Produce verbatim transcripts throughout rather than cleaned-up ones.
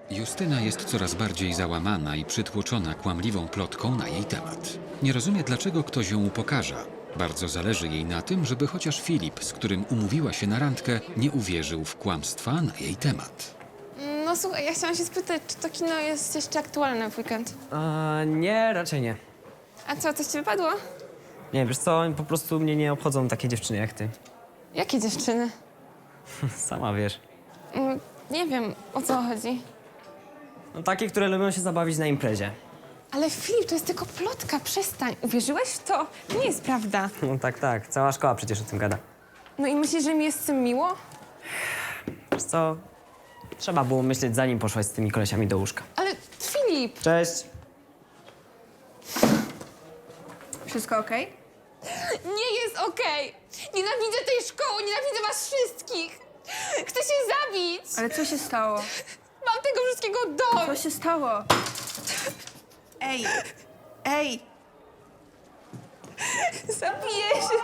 Justyna jest coraz bardziej załamana i przytłoczona kłamliwą plotką na jej temat. Nie rozumie, dlaczego ktoś ją upokarza. Bardzo zależy jej na tym, żeby chociaż Filip, z którym umówiła się na randkę, nie uwierzył w kłamstwa na jej temat. No słuchaj, ja chciałam się spytać, czy to kino jest jeszcze aktualne w weekend? A, nie, raczej nie. A co, coś ci wypadło? Nie, wiesz co, po prostu mnie nie obchodzą takie dziewczyny jak ty. Jakie dziewczyny? Sama wiesz. Mm, nie wiem, o co chodzi. No takie, które lubią się zabawić na imprezie. Ale Filip, to jest tylko plotka, przestań. Uwierzyłeś w to? To nie jest prawda. No tak, tak, cała szkoła przecież o tym gada. No i myślisz, że mi jest z tym miło? Wiesz co, trzeba było myśleć, zanim poszłaś z tymi kolesiami do łóżka. Ale Filip! Cześć. Wszystko okej? Nie jest okej! Nienawidzę tej szkoły, nienawidzę was wszystkich! Chcę się zabić! Ale co się stało? Mam tego wszystkiego Co dość! się stało? Ej! Ej! Zabiję się!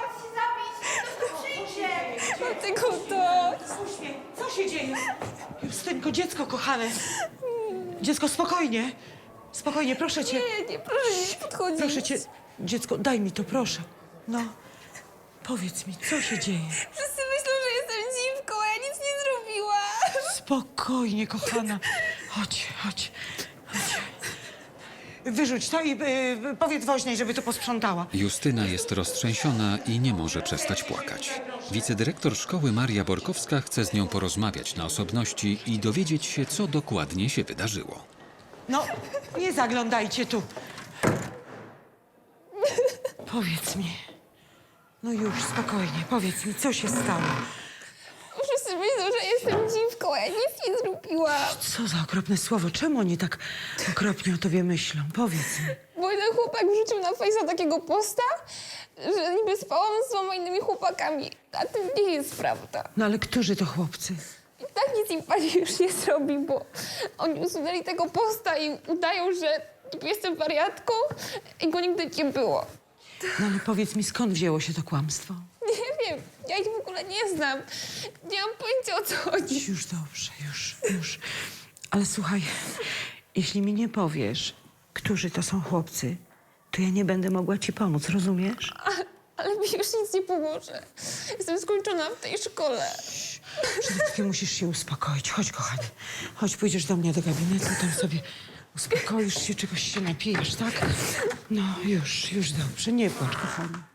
Mam tego dość! Co się dzieje? Justynko, dziecko kochane. Dziecko, spokojnie. Spokojnie, proszę cię. Nie, nie, proszę nie podchodzić. Proszę cię. Dziecko, daj mi to, proszę. No. Powiedz mi, co się dzieje? Wszyscy myślą, że jestem dziwką, a ja nic nie zrobiłam. Spokojnie, kochana. Chodź, chodź, chodź. Wyrzuć to i y, powiedz woźnej, żeby to posprzątała. Justyna jest roztrzęsiona i nie może przestać płakać. Wicedyrektor szkoły Maria Borkowska chce z nią porozmawiać na osobności i dowiedzieć się, co dokładnie się wydarzyło. No, nie zaglądajcie tu. Powiedz mi. No już, spokojnie, powiedz mi, co się stało. Wszyscy myślą, że jestem dziwką, a ja nic nie zrobiłam. Co za okropne słowo. Czemu oni tak okropnie o tobie myślą? Powiedz mi. Bo jeden chłopak wrzucił na Face'a takiego posta, że niby spałam z dwoma innymi chłopakami. A to nie jest prawda. No ale którzy to chłopcy? I tak nic im pani już nie zrobi, bo oni usunęli tego posta i udają, że jestem wariatką i go nigdy nie było. No ale powiedz mi, skąd wzięło się to kłamstwo? Nie wiem, ja ich w ogóle nie znam. Nie mam pojęcia, o co chodzi. Już dobrze, już, już. Ale słuchaj, jeśli mi nie powiesz, którzy to są chłopcy, to ja nie będę mogła ci pomóc, rozumiesz? Ale mi już nic nie pomoże. Jestem skończona w tej szkole. Przede wszystkim musisz się uspokoić. Chodź, kochanie. Chodź, pójdziesz do mnie do gabinetu, tam sobie uspokoisz się, czegoś się napijesz, tak? No, już, już dobrze. Nie płacz, kochanie.